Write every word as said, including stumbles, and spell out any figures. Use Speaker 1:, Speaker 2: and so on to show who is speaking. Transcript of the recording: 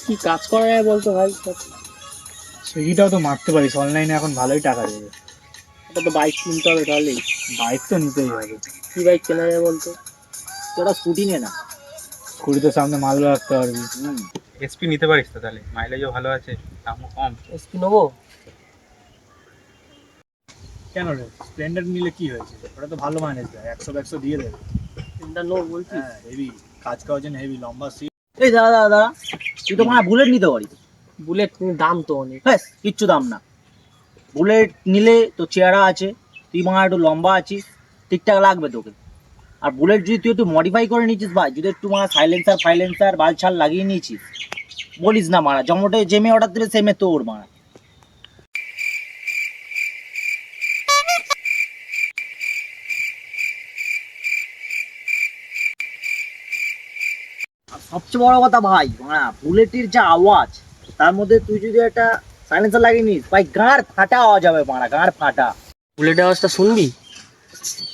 Speaker 1: কি কাজ করা যায় বলতো ভাই?
Speaker 2: সুইগিটাও তো মারতে পারিস, অনলাইনে এখন ভালোই টাকা দেবে।
Speaker 1: এটা তো বাইক কিনতে হবে তাহলে।
Speaker 2: বাইক তো নিতেই হবে।
Speaker 1: কি বাইক কেনা যায় বলতো?
Speaker 3: তোরা স্কুটি নে না।
Speaker 2: কুড়িতে সামনে মালও রাখতে পারবি।
Speaker 3: হুম,
Speaker 4: এসপি নিতে পারিস তো, তাহলে মাইলেজও ভালো আছে, দামও কম।
Speaker 1: এসপি নেবো?
Speaker 2: কেন রে, স্প্লেন্ডার নিলে কি হয়েছে? ওটা তো ভালো মাইলেজ দেয়, একশো একশো দিয়ে দেবে।
Speaker 1: এটা নেবো বলছিস?
Speaker 2: হ্যাঁ, হেভি কাজ করার জন্য, হেভি লম্বা সিট।
Speaker 3: এই দাদা দাদা দাদা, তুই তো মানে বুলেট নিতে পারিস।
Speaker 1: বুলেট কিন্তু দাম তো অনেক।
Speaker 3: ব্যাস কিচ্ছু দাম না। বুলেট নিলে তো চেহারা আছে, তুই মানে একটু লম্বা আছিস, ঠিকঠাক লাগবে তোকে। আর বুলেট যদি তুই একটু মডিফাই করে নিয়েছিস ভাই, যদি একটু মানে সাইলেন্সার ফাইলেন্সার বাল ছাল লাগিয়ে নিয়েছিস, বলিস না মারা, জমোটে জেমে অর্ডার দিলে সেমে তোর মারা। আর সবচেয়ে বড় কথা ভাই, হ্যাঁ, বুলেটের যা আওয়াজ, তার মধ্যে তুই যদি একটা সাইলেন্সার লাগিয়ে নিস ভাই, গাঁড় ফাটা আওয়াজ হবে মারা, গাঁড় ফাটা।
Speaker 1: বুলেটের আওয়াজটা শুনবি?